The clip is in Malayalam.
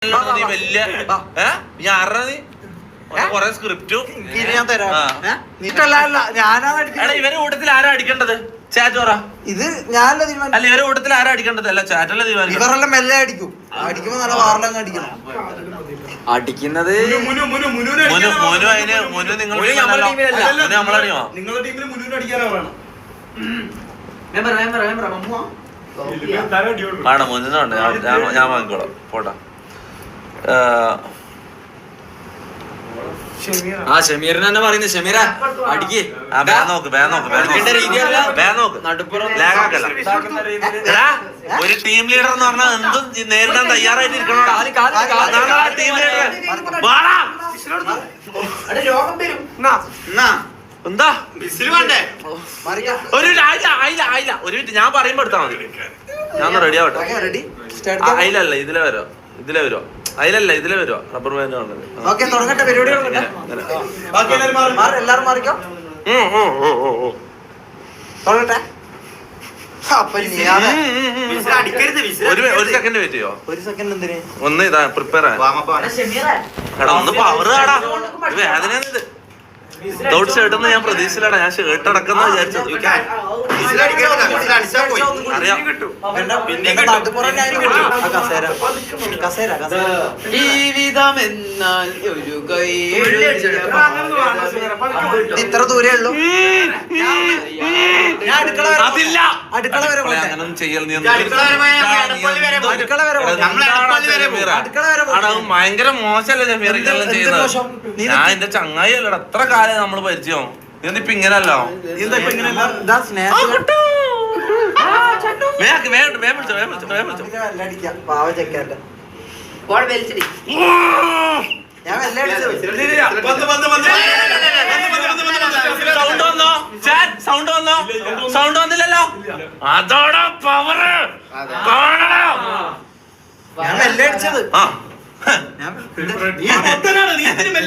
വലിയ ഞാൻ കൊറേ സ്ക്രിപ്റ്റും ഞാൻ തരാം. ഇവരെ കൂട്ടത്തിൽ ആരാ അടിക്കേണ്ടത്? ചാറ്റ് പറ. ഇത് ഞാനല്ല തീരുമാനം. അല്ല ഇവരെ കൂട്ടത്തിൽ ആരാ അടിക്കേണ്ടത്? അല്ല ചാറ്റല്ല തീരുമാനം. ഇവരെല്ലാം മെല്ലെ അടിക്കും. അടിക്കുമ്പോ നല്ല വാറിലങ്ങ് അടിക്കണം. അടിക്കുന്നത് മോനു അതിന് മോനു നിങ്ങളുടെ നമ്മളടിയോ? നിങ്ങളുടെ ടീമിൽ മുന്നൂറ് അടിക്കാനാണ് ആണോ? മുന്നുണ്ട്. ഞാൻ വാങ്ങിക്കോളാം. പോട്ടാ. ഷമീറിന് തന്നെ പറയുന്നത്. ഷമീറ അടിക്ക്. ഒരു ടീം ലീഡർ എന്ന് പറഞ്ഞാൽ എന്തും നേരിടാൻ തയ്യാറായിട്ട് ഇരിക്കണം. ടീം ലീഡർ എന്താ ഒരു ആയില്ല ഒരു മിനിറ്റ് ഞാൻ പറയുമ്പോ എടുത്താ മതി. ഞാൻ റെഡി ആവട്ടെ. അയിലല്ല ഇതിലെ വരോ അതിലല്ല ഇതിലെ വരുവാ. റബ്ബർ ബാൻഡ് കാണുന്നത്. എല്ലാരും മാറിക്കോ. തുടങ്ങട്ടെ. ഒരു സെക്കൻഡ് വെയിറ്റ് ചെയ്യോ? ഒരു സെക്കൻഡ് എന്തിന്? ഒന്ന് ഇതാ പ്രിപ്പയർ എടാ ഒന്ന് പവർ ആടാ. വേദനയാണിത്. വിതൗട്ട് ഷർട്ട് ഒന്നും ഞാൻ പ്രതീക്ഷിച്ചില്ലടാ. ഞാൻ ഷർട്ട് അടക്കുന്ന വിചാരിച്ചത്. ജീവിതം എന്നാൽ ഒരു ഇത്ര ദൂരേ ഉള്ളൂ. ഞാൻ അടുക്കള വരെ ഭയങ്കര മോശമല്ലേ ജമീർ ഇതെല്ലാം ചെയ്യുന്നത്? ഞാൻ എന്റെ ചങ്ങായി അല്ലടാ. എത്ര കാലം നമ്മള് പരിചയം. ഇപ്പൊ ഇങ്ങനല്ലോ. പാവ ചെക്കാന്റെ ഞാൻ സൗണ്ട് വന്നില്ലല്ലോ. അതോടെ പവർ ഞാൻ മെല്ലെ അടിച്ചത്. ആ